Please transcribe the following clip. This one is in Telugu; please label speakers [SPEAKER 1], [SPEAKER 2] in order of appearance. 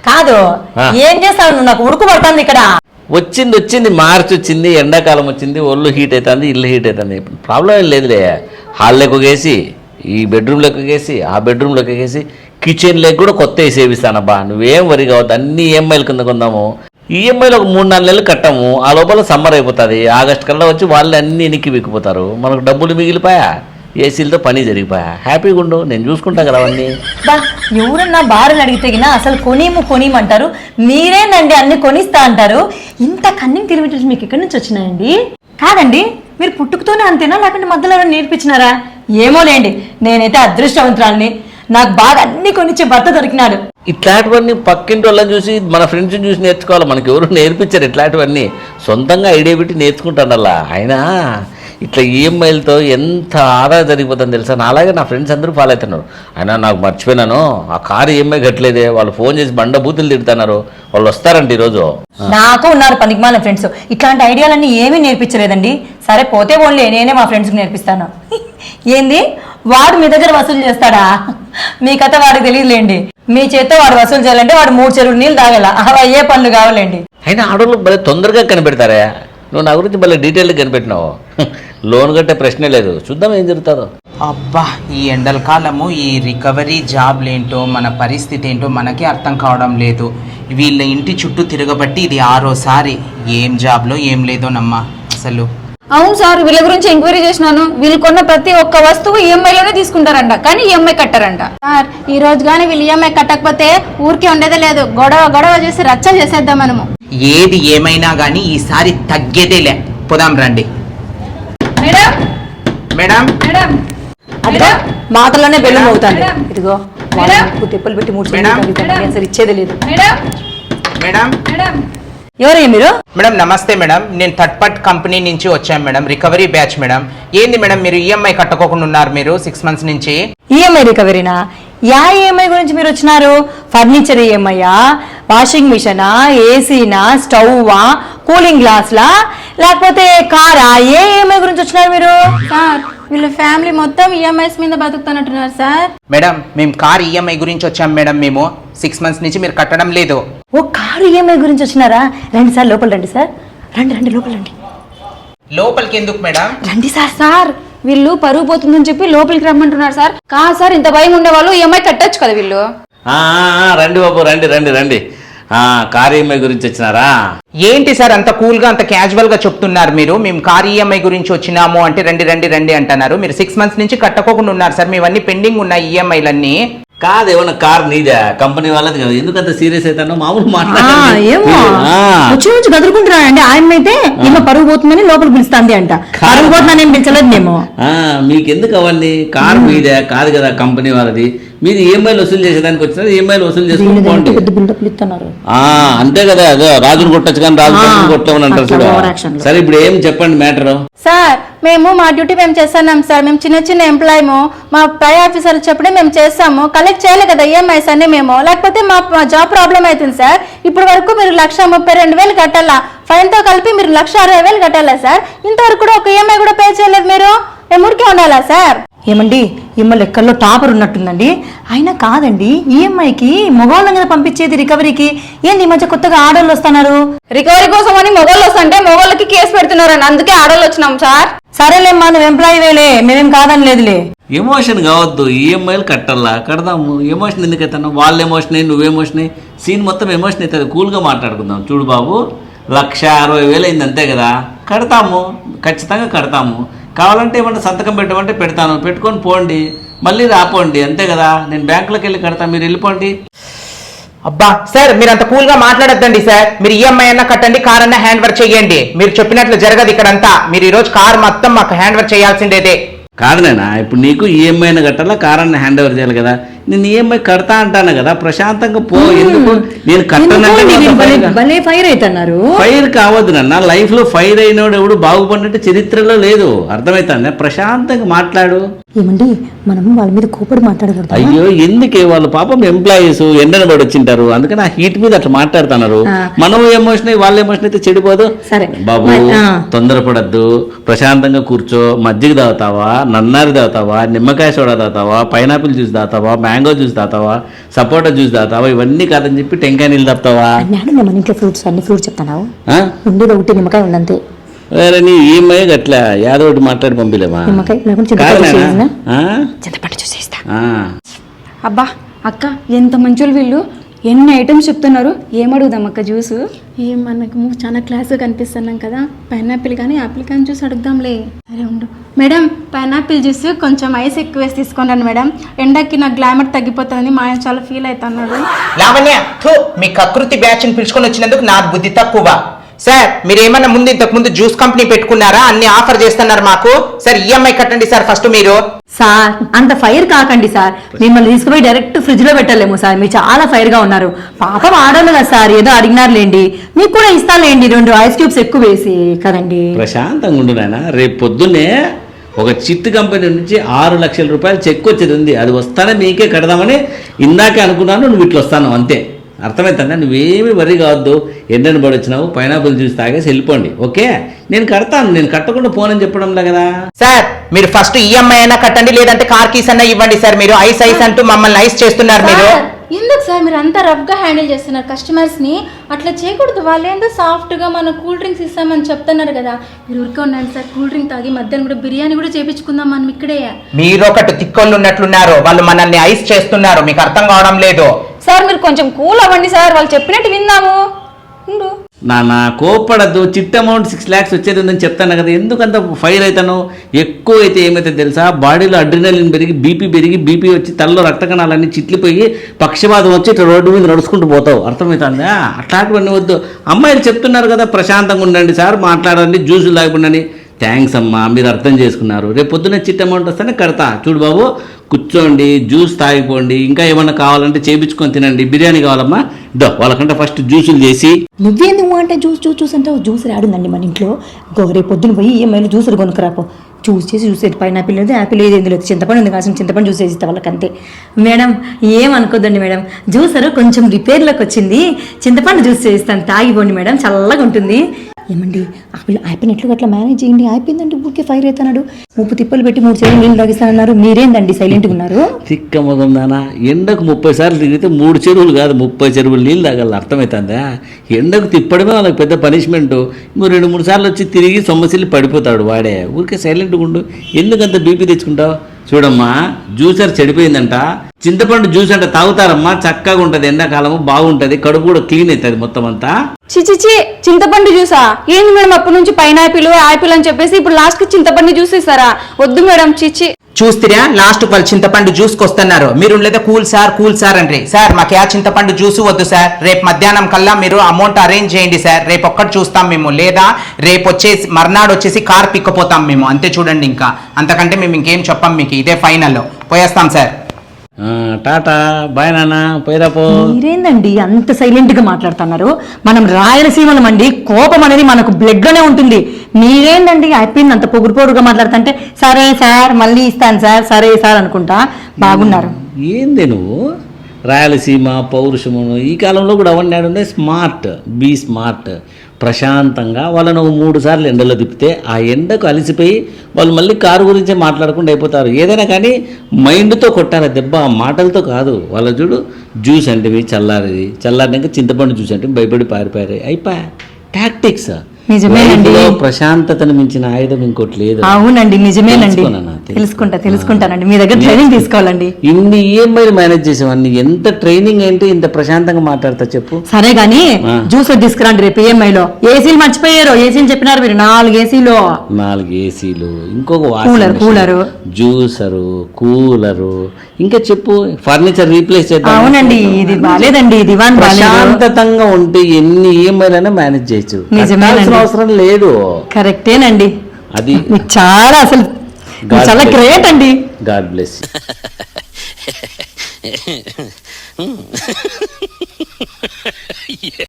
[SPEAKER 1] కాదు ఏం చేస్తావు నువ్వు? నాకు ఉడుకు పడుతుంది ఇక్కడ.
[SPEAKER 2] వచ్చింది మార్చి వచ్చింది, ఎండాకాలం వచ్చింది, ఒళ్ళు హీట్ అవుతుంది, ఇల్లు హీట్ అవుతుంది. ప్రాబ్లం ఏం లేదులే. హాల్లోకి వేసి, ఈ బెడ్రూమ్లోకి వేసి, ఆ బెడ్రూమ్లోకి వేసి, కిచెన్లోకి కూడా కొత్త వేసేవిస్తానబ్బా. నువ్వేం వరి కావద్దు. అన్ని ఈఎంఐల కింద కొందాము. ఈఎంఐలు ఒక 3-4 నెలలు కట్టాము. ఆ లోపల సమ్మర్ అయిపోతుంది. ఆగస్టు కల్లా వచ్చి వాళ్ళు అన్నీ ఎనికి విక్కిపోతారు. మనకు డబ్బులు మిగిలిపోయా, ఏసీలతో పని జరిగిపోయా. హ్యాపీగా ఉండు, నేను చూసుకుంటా కదా అవన్నీ.
[SPEAKER 1] బా ఎవరన్నా భార్యలు అడిగితే అసలు కొనియమంటారు. మీరేనండి అన్ని కొనిస్తా అంటారు. ఇంత కన్నింగ్ తెలివిటేషన్ మీకు ఎక్కడి నుంచి వచ్చినాయండి? కాదండి, మీరు పుట్టుకతోనే అంతేనా లేకుంటే మధ్యలో నేర్పించినారా? ఏమోలేండి, నేనైతే అదృష్టవంతురాల్ని. నాకు బాగా అన్ని కొనిచ్చే భర్త దొరికినాడు.
[SPEAKER 2] ఇట్లాంటివన్నీ పక్కింటి వాళ్ళని చూసి, మన ఫ్రెండ్స్ని చూసి నేర్చుకోవాలి. మనకి ఎవరు నేర్పించారు ఇట్లాంటివన్నీ? సొంతంగా ఐడియా పెట్టి నేర్చుకుంటాను. అలా అయినా ఇట్లా ఈఎంఐలతో ఎంత ఆదా జరిగిపోతుందని తెలుసా? నా అలాగే నా ఫ్రెండ్స్ అందరూ ఫాలో అవుతున్నారు. అయినా నాకు మర్చిపోయినాను, ఆ కారు ఈఎంఐ కట్టలేదే. వాళ్ళు ఫోన్ చేసి బండ బూతులు తిడుతున్నారు. వాళ్ళు వస్తారంట ఈరోజు.
[SPEAKER 1] నాకు ఉన్నారు పనికిమాలిన ఫ్రెండ్స్. ఇట్లాంటి ఐడియాలన్నీ ఏమీ నేర్పించలేదండి. సరే పోతే ఓన్లీ నేనే మా ఫ్రెండ్స్కి నేర్పిస్తాను. ఏంది వాడు మీ దగ్గర వసూలు చేస్తాడా? మీ కథ వాడికి తెలియదులేండి. మీ చేత్తో వాడు వసూలు చేయాలంటే వాడు 3 చెరువులు నీళ్ళు తాగల. అవి అయ్యే పనులు కావాలండి.
[SPEAKER 2] అయినా ఆడవాళ్ళు భలే తొందరగా కనిపెడతారా? నువ్వు నా గురించి భలే డీటెయిల్గా కనిపెట్టినావు. లోన్ కట్టే ప్రశ్నే లేదు. చూద్దాం ఏం జరుగుతుందో.
[SPEAKER 3] అబ్బా, ఈ ఎండల కాలము ఈ రికవరీ జాబ్లేంటో మన పరిస్థితి ఏంటో మనకే అర్థం కావడం లేదు. వీళ్ళ ఇంటి చుట్టూ తిరగబట్టి ఇది 6వ సారి. ఏం జాబ్లో ఏం లేదోనమ్మా అసలు.
[SPEAKER 4] అవును సార్, వీళ్ళ గురించి ఎంక్వైరీ చేసినాను. వీళ్ళు కొన్న ప్రతి ఒక్క వస్తువు ఈఎంఐలోనే తీసుకుంటారంట, కానీ ఈఎంఐ కట్టారంట.
[SPEAKER 5] సార్ ఈ రోజు కానీ వీళ్ళు ఈఎంఐ కట్టకపోతే ఊరికే ఉండేదే లేదు. గొడవ చేసి రచ్చ చేసేద్దాం మనము.
[SPEAKER 3] ఏది ఏమైనా కానీ ఈసారి తగ్గేదేలే. పోదాం రండి.
[SPEAKER 4] మేడం
[SPEAKER 3] మేడం
[SPEAKER 4] మేడం
[SPEAKER 1] అదిగో మాటల్లోనే బెల్లం అవుతాను. ఇదిగో
[SPEAKER 4] మేడం.
[SPEAKER 1] తెప్పలు పెట్టి 3
[SPEAKER 3] మేడం.
[SPEAKER 1] అసలు ఇచ్చేది లేదు.
[SPEAKER 4] మేడం
[SPEAKER 3] మేడం
[SPEAKER 4] మేడం
[SPEAKER 1] ఎవరయ్యా మీరు?
[SPEAKER 3] మేడం నమస్తే మేడం. నేను థర్డ్ పార్టీ కంపెనీ నుంచి వచ్చాను మేడం. Recovery batch madam. ఏంది మేడం మీరు ఈఎంఐ కట్టుకోకుండా ఉన్నారు మీరు 6 months నుంచి?
[SPEAKER 1] ఈఎంఐ రికవరీనా? యా ఈఎంఐ గురించి మీరు వచ్చినారు? ఫర్నిచర్ ఈఎంఐయా, వాషింగ్ మిషనా, ఏసీనా, స్టవ్వా, కూలింగ్ గ్లాస్లా, లేకపోతే కారా? ఏ ఈఎంఐ గురించి వచ్చినారు మీరు?
[SPEAKER 5] సార్ వీళ్ళ ఫ్యామిలీ మొత్తం ఈఎంఐస్ మీద బతుకుతున్నట్టున్నారు సార్.
[SPEAKER 3] మేడం మేము కార్ ఈఎంఐ గురించి వచ్చాం మేడం. మేము 6 months నుంచి మీరు కట్టడం లేదు.
[SPEAKER 1] ఓ కారు ఈఎంఐ గురించి వచ్చినారా? రండి సార్, లోపల రండి సార్. రండి లోపల రండి.
[SPEAKER 3] లోపలికి ఎందుకు మేడం?
[SPEAKER 1] రండి సార్.
[SPEAKER 4] సార్ వీళ్ళు పరుగు పోతుందని చెప్పి లోపలికి రమ్మంటున్నారు సార్. కాదు సార్, ఇంత భయం ఉండేవాళ్ళు ఈఎంఐ కట్టొచ్చు కదా వీళ్ళు.
[SPEAKER 2] రండి బాబు, రండి. కార్ ఈఎంఐ గురించి వచ్చినారా?
[SPEAKER 3] ఏంటి సార్ అంత కూల్ గా అంత క్యాజువల్ గా చెప్తున్నారు మీరు? మేము కార్ ఈఎంఐ గురించి వచ్చినాము అంటే రండి అంటున్నారు. మీరు 6 months నుంచి కట్టకోకుండా ఉన్నారు సార్. మేవన్నీ పెండింగ్ ఉన్నాయి ఈఎంఐలన్నీ.
[SPEAKER 2] కాదు, ఏమన్నా కార్ నీదా? కంపెనీ వాళ్ళది కదా. ఎందుకంత సీరియస్ అవుతానో మామూలు
[SPEAKER 1] ఏమో
[SPEAKER 2] మాట్లాడాలి.
[SPEAKER 1] వచ్చి గదురుకుంటున్నానండి. ఆయన అయితే ఈమె పరుగు పోతుందని లోపల పిలుస్తుంది అంట. పరుగు పోతుందని ఏం పిలిచలేదు మేము.
[SPEAKER 2] మీకెందుకు అవన్నీ? కార్ మీదే కాదు కదా, కంపెనీ వాళ్ళది. మీరు ఈఎంఐలు వసూలు చేసేదానికి వచ్చినారు. ఈఎంఐలు వసూలు చేసుకోండి. అంతే కదా. అదో రాజును కొట్టచ్చు కానీ రాజు కొట్టమని అంటారు చూడ. సరే ఇప్పుడు ఏం చెప్పండి మ్యాటర్.
[SPEAKER 5] సార్ మేము మా డ్యూటీ మేము చేస్తున్నాం సార్. మేము చిన్న ఎంప్లాయము. మా పై ఆఫీసర్ చెప్పడే మేము చేస్తాము. కలెక్ట్ చేయాలి కదా ఈఎంఐస్ అన్ని మేము. లేకపోతే మా జాబ్ ప్రాబ్లం అవుతుంది సార్. ఇప్పుడు వరకు మీరు 1,32,000 కట్టాలా. ఫైన్ తో కలిపి మీరు 1,60,000 కట్టాలా సార్. ఇంతవరకు కూడా ఒక ఈఎంఐ కూడా పే చేయలేదు మీరు. మేము ఊరికే ఉండాలా సార్?
[SPEAKER 1] ఏమండి ఈమె లెక్కల్లో టాపర్ ఉన్నట్టుందండి. అయినా కాదండి, ఈఎంఐకి మగవాళ్ళని కదా పంపించేది రికవరీకి. ఏంది ఈ మధ్య కొత్తగా ఆర్డర్లు వస్తున్నారు?
[SPEAKER 4] రికవరీ కోసం అని మొగోళ్ళు వస్తుంటే మొగోళ్ళకి కేసు పెడుతున్నారని అందుకే ఆడోళ్ళు వచ్చినాం సార్.
[SPEAKER 1] సరేలేమ్మా, నువ్వు ఎంప్లాయీ వేలే, మేమేం కాదని లేదులే.
[SPEAKER 2] ఎమోషన్ కావద్దు. ఈఎంఐలు కట్టాలా, కడదాము. ఎమోషన్ ఎందుకు అవుతాను? వాళ్ళ ఎమోషన్ అయ్యి నువ్వు ఎమోషన్ అయ్యి సీన్ మొత్తం ఎమోషన్ అవుతుంది. కూల్గా మాట్లాడుకుందాం. చూడు బాబు, 1,60,000 అయింది అంతే కదా. కడతాము, ఖచ్చితంగా కడతాము. కావాలంటే ఏమన్నా సంతకం పెట్టమంటే పెడతాను. పెట్టుకొని పోండి, మళ్ళీ రాపోండి, అంతే కదా. నేను బ్యాంకులోకి వెళ్ళి కడతాను, మీరు వెళ్ళిపోండి.
[SPEAKER 3] అబ్బా సార్ మీరు అంత కూల్ గా మాట్లాడద్దండి సార్. మీరు ఈఎంఐ అన్నా కట్టండి, కార్ అన్నా హ్యాండ్ వర్క్ చేయండి. మీరు చెప్పినట్లు జరగదు ఇక్కడంతా. మీరు ఈ రోజు కార్ మొత్తం మాకు హ్యాండ్ వర్క్ చేయాల్సిందేదే.
[SPEAKER 2] కాదునేనా, ఇప్పుడు నీకు ఈఎంఐని కట్టాలా, కారాన్ని హ్యాండ్ ఓవర్ చేయాలి కదా. నేను ఈఎంఐ కడతా అంటాను కదా, ప్రశాంతంగా పో. ఎందుకు నేను
[SPEAKER 1] కట్టనంటే ఫైర్ అవుతున్నారు?
[SPEAKER 2] ఫైర్ కావద్దు నాన్న. లైఫ్ లో ఫైర్ అయినోడు ఎవడు బాగుపడినట్టు చరిత్రలో లేదు. అర్థమవుతుంది? ప్రశాంతంగా మాట్లాడు.
[SPEAKER 1] ఏమండి మనం వాళ్ళ మీద కోపడి మాట్లాడకూడదు.
[SPEAKER 2] అయ్యో ఎందుకే వాళ్ళు పాపం ఎంప్లాయీస్ ఎండన పడి వచ్చింటారు, అందుకని ఆ హీట్ మీద అట్లా మాట్లాడుతున్నారు. మనం ఎమోషన్ అయ్యి వాళ్ళ ఎమోషన్ అయితే చెడిపోదు.
[SPEAKER 1] సరే
[SPEAKER 2] బాబు తొందరపడద్దు, ప్రశాంతంగా కూర్చో. మజ్జిగ తాగుతావా, నన్నారి తాగుతావా, నిమ్మకాయ సోడా తాగుతావా, పైనాపిల్ జ్యూస్ తాగుతావా, మ్యాంగో జ్యూస్ తాగుతావా, సపోటా జ్యూస్ తాగుతావా, ఇవన్నీ కాదని చెప్పి టెంకాయ నీళ్ళు తాగుతావా?
[SPEAKER 1] మేడం మన ఇంట్లో ఫ్రూట్స్ అన్ని ఫ్రూట్స్ చెప్తాను,
[SPEAKER 2] ఆ?
[SPEAKER 1] ఉండేది ఒకటి నిమ్మకాయ ఉందంతే.
[SPEAKER 2] వేరే నీ ఈఎంఐ గట్లా యాదో ఒకటి మాట్లాడి పంపిలేమా?
[SPEAKER 1] నిమ్మకాయ లేకుంటే
[SPEAKER 2] కాదు
[SPEAKER 1] చింతపండు
[SPEAKER 2] నాయనా?
[SPEAKER 1] చూసేసినా?
[SPEAKER 2] ఆ?
[SPEAKER 1] చింతపండు చూసేస్తా.
[SPEAKER 2] ఆ.
[SPEAKER 4] అబ్బా అక్క ఎంత మంచోళ్ళు వీళ్ళు, ఎన్ని ఐటమ్స్ చెప్తున్నారు. ఏం అడుగుదాం అక్క జ్యూస్?
[SPEAKER 5] ఏం మనకు చాలా క్లాస్గా కనిపిస్తున్నాం కదా, పైనాపిల్ కానీ యాపిల్ కానీ జ్యూస్ అడుగుదాంలే. అరే ఉండు మేడం, పైనాపిల్ జ్యూస్ కొంచెం ఐస్ ఎక్కువ వేసి తీసుకున్నాను మేడం, ఎండకి నా గ్లామర్ తగ్గిపోతుందని మా ఆయన చాలా ఫీల్ అవుతున్నాడు.
[SPEAKER 3] లావణ్య థూ, మీ కకృతి బ్యాచ్ని పిలుచుకొని వచ్చినందుకు నా బుద్ధి తక్కువ. సార్ మీరు ఏమన్నా ముందు ఇంతకు ముందు జ్యూస్ కంపెనీ పెట్టుకున్నారా? అన్ని ఆఫర్ చేస్తున్నారు మాకు. సార్ ఈఎంఐ కట్టండి సార్ ఫస్ట్ మీరు.
[SPEAKER 1] సార్ అంత ఫైర్ కాకండి సార్, మిమ్మల్ని తీసుకుపోయి డైరెక్ట్ ఫ్రిడ్జ్ లో పెట్టలేము సార్, మీరు చాలా ఫైర్ గా ఉన్నారు. పాపం ఆడోళ్ళు కదా సార్, ఏదో అడిగినారులేండి, మీకు కూడా ఇస్తానులేండి 2 ఐస్ క్యూబ్స్ ఎక్కువ వేసి కదండి.
[SPEAKER 2] ప్రశాంతంగా ఉండు నాయన. రేపు పొద్దున్నే ఒక చిట్టు కంపెనీ నుంచి 6 లక్షల రూపాయలు చెక్ వచ్చేది ఉంది, అది వస్తానే మీకే కడదామని ఇందాకే అనుకున్నాను. నువ్వు ఇట్లా వస్తాను అంతే, అర్థమవుతుందా? నువ్వేమీ వరి కావద్దు. ఎండని పడి వచ్చినావు, పైనాపిల్ జ్యూస్ తాగేసి వెళ్ళిపోండి. ఓకే, నేను కడతాను, నేను కట్టకుండా పోనని చెప్పడంలే కదా.
[SPEAKER 3] సార్ మీరు ఫస్ట్ ఈఎంఐ అయినా కట్టండి, లేదంటే కార్ కీస్ అన్నా ఇవ్వండి సార్. మీరు ఐస్ ఐస్ అంటూ మమ్మల్ని ఐస్ చేస్తున్నారు మీరు.
[SPEAKER 5] సార్, ఎందుకు సార్ మీరు అంతా రఫ్గా హ్యాండిల్ చేస్తున్నారు కస్టమర్స్ ని? అట్లా చేయకూడదు. వాళ్ళు ఏందో సాఫ్ట్ గా మన కూల్ డ్రింక్స్ ఇస్తామని చెప్తున్నారు కదా, మీరు ఊరికే ఉండండి సార్. కూల్ డ్రింక్ తాగి మధ్యాహ్నం కూడా బిర్యానీ కూడా చేపించుకుందాం మనం ఇక్కడే.
[SPEAKER 3] మీరు ఒకటి తిక్కోళ్ళు ఉన్నట్లున్నారు, వాళ్ళు మనల్ని ఐస్ చేస్తున్నారు, మీకు అర్థం కావడం లేదు.
[SPEAKER 4] సార్ మీరు కొంచెం కూల్ అవ్వండి సార్, వాళ్ళు చెప్పినట్టు విందాము. ఉండు.
[SPEAKER 2] నా కోప్పడద్దు. చిట్ అమౌంట్ 6 lakhs వచ్చేది ఉందని చెప్తాను కదా, ఎందుకంత ఫైర్ అవుతాను? ఎక్కువ అయితే ఏమైతే తెలుసా, బాడీలో అడ్రినలిన్ పెరిగి బీపీ వచ్చి తలలో రక్త కణాలన్నీ చిట్లిపోయి పక్షపాతం వచ్చి ఇట్లా రోడ్డు మీద నడుచుకుంటూ పోతావు. అర్థమవుతుందా? అట్లాంటివన్నీ వద్దు. అమ్మాయిలు చెప్తున్నారు కదా ప్రశాంతంగా ఉండండి సార్, మాట్లాడండి, జ్యూసులు తాగకుండా. థ్యాంక్స్ అమ్మా, మీరు అర్థం చేసుకున్నారు. రేపు పొద్దున్న చిట్ అమౌంట్ వస్తేనే కడతా. చూడు బాబు, కూర్చోండి, జ్యూస్ తాగిపోండి, ఇంకా ఏమన్నా కావాలంటే చేపించుకొని తినండి. బిర్యానీ కావాలమ్మా, దో వాళ్ళకంటే ఫస్ట్ జ్యూసులు చేసి.
[SPEAKER 1] నువ్వేంది అంటే జ్యూస్ అంటావు? జ్యూస్ రాడుందండి మన ఇంట్లో. రేపు పొద్దున పోయి ఈఎంఐలో జ్యూసర్ కొనుక్కరాపో. జ్యూస్ పైనాపిల్ లేదు, యాపిల్ లేదు, ఎందులో చింతపండు ఉంది, కాసిన చింతపండు జ్యూస్ వేసి ఇస్తా వాళ్ళకి అంతే. మేడం ఏమనుకోద్దండి మేడం, జ్యూసర్ కొంచెం రిపేర్లోకి వచ్చింది, చింతపండు జ్యూస్ చేస్తాను, తాగిపోండి మేడం, చల్లగా ఉంటుంది. ఏమండి అయిపోయిన ఎట్లు అట్లా మేనేజ్ చేయండి. అయిపోయిందంటే ఊరికే ఫైర్ అవుతున్నాడు. 30 తిప్పలు పెట్టి 3 చెరువులు నీళ్ళు తాగిస్తానన్నారు, మీరేందండి సైలెంట్గా ఉన్నారు?
[SPEAKER 2] తిక్క మొగందానా, ఎండకు 30 సార్లు తిరిగితే 3 చెరువులు కాదు 30 చెరువులు నీళ్ళు తాగాలి. అర్థమవుతుందా? ఎండకు తిప్పడమే వాళ్ళకి పెద్ద పనిష్మెంట్. నువ్వు 2-3 సార్లు వచ్చి తిరిగి సొమ్మసిల్లి పడిపోతాడు వాడే. ఊరికే సైలెంట్గా ఉండు, ఎందుకంత బీపీ తెచ్చుకుంటావు? చూడమ్మా, జ్యూసర్ చెడిపోయిందంట, చింతపండు జ్యూస్ అంటే తాగుతారమ్మా, చక్కగా ఉంటుంది, ఎండాకాలము బాగుంటుంది, కడుపు కూడా క్లీన్ అవుతుంది మొత్తం అంతా.
[SPEAKER 4] చిచిచి, చింతపండు జ్యూసా? ఏంది మేడం అప్పటి నుంచి పైనాపిల్ యాపిల్ అని చెప్పేసి ఇప్పుడు లాస్ట్ కి చింతపండు జ్యూస్ ఇస్తారా? వద్దు మేడం, చిచి.
[SPEAKER 3] చూస్తారా లాస్ట్ వాళ్ళు చింతపండు జ్యూస్కి వస్తున్నారు, మీరు లేదా కూల్ సార్ అంటే. సార్ మాకు ఆ చింతపండు జ్యూస్ వద్దు సార్, రేపు మధ్యాహ్నం కల్లా మీరు అమౌంట్ అరేంజ్ చేయండి సార్, రేపు ఒక్కటి చూస్తాం మేము, లేదా రేపు వచ్చేసి మర్నాడు వచ్చేసి కార్ పిక్కపోతాం మేము, అంతే. చూడండి, ఇంకా అంతకంటే మేము ఇంకేం చెప్పాం మీకు, ఇదే ఫైనల్. పోయేస్తాం సార్.
[SPEAKER 2] టాటా బాయ్ నాన్న, పోయిరాపో.
[SPEAKER 1] మీరేందండి అంత సైలెంట్ గా మాట్లాడుతున్నారు? మనం రాయలసీమలం అండి, కోపం అనేది మనకు బ్లడ్ లోనే ఉంటుంది. మీరేందండి అయిపోయింది అంత పొగురుగా మాట్లాడుతుంటే సరే సార్ మళ్ళీ ఇస్తాను సార్, సరే సార్ అనుకుంటా. బాగున్నారు.
[SPEAKER 2] ఏంది నువ్వు రాయలసీమ పౌరుషమును ఈ కాలంలో కూడా అవన్నీ ఉన్నాయి. Smart, be smart. ప్రశాంతంగా వాళ్ళను 3 సార్లు ఎండలో తిప్పితే ఆ ఎండకు అలసిపోయి వాళ్ళు మళ్ళీ కారు గురించే మాట్లాడకుండా అయిపోతారు. ఏదైనా కానీ మైండ్తో కొట్టాలి దెబ్బ, మాటలతో కాదు. వాళ్ళ చూడు, జ్యూస్ అంటే చల్లారినాక చింతపండు జ్యూస్ అంటే భయపడి పారిపోయారు. అయిపోయా టాక్టిక్స్.
[SPEAKER 1] నిజమేనండి,
[SPEAKER 2] ప్రశాంతతను మించిన ఆయుధం ఇంకోటి లేదు.
[SPEAKER 1] అవునండి, నిజమేనండి. తెలుసుకుంటానండి, మీ దగ్గర ట్రైనింగ్ తీసుకోవాలండి.
[SPEAKER 2] ఇన్ని ఈఎంఐలు మేనేజ్ చేసేవాడిని, ఎంత ట్రైనింగ్ ఏంటి ఇంత ప్రశాంతంగా మాట్లాడతా చెప్పు.
[SPEAKER 1] సరే గానీ జ్యూస్ తీసుకురండి రేపు ఈఎంఐలో. ఏసీలు మర్చిపోయారు, ఏసీలు చెప్పినారు మీరు, 4 ఏసీలు.
[SPEAKER 2] 4 ఏసీలు, ఇంకొక
[SPEAKER 1] కూలరు,
[SPEAKER 2] జ్యూసరు, కూలరు, ఇంకా చెప్పు ఫర్నిచర్ రీప్లేస్ చేద్దాం.
[SPEAKER 1] అవునండి, ఇది బాలేదండి, దివాన్
[SPEAKER 2] ప్రశాంతంగా ఉంటే ఎన్ని ఈఎంఐలైనా మేనేజ్ చేయొచ్చు.
[SPEAKER 1] నిజమేనండి,
[SPEAKER 2] అవసరం లేదు.
[SPEAKER 1] కరెక్టేనండి.
[SPEAKER 2] అది
[SPEAKER 1] చాలా అసలు చాలా గ్రేట్ అండి.
[SPEAKER 2] God bless.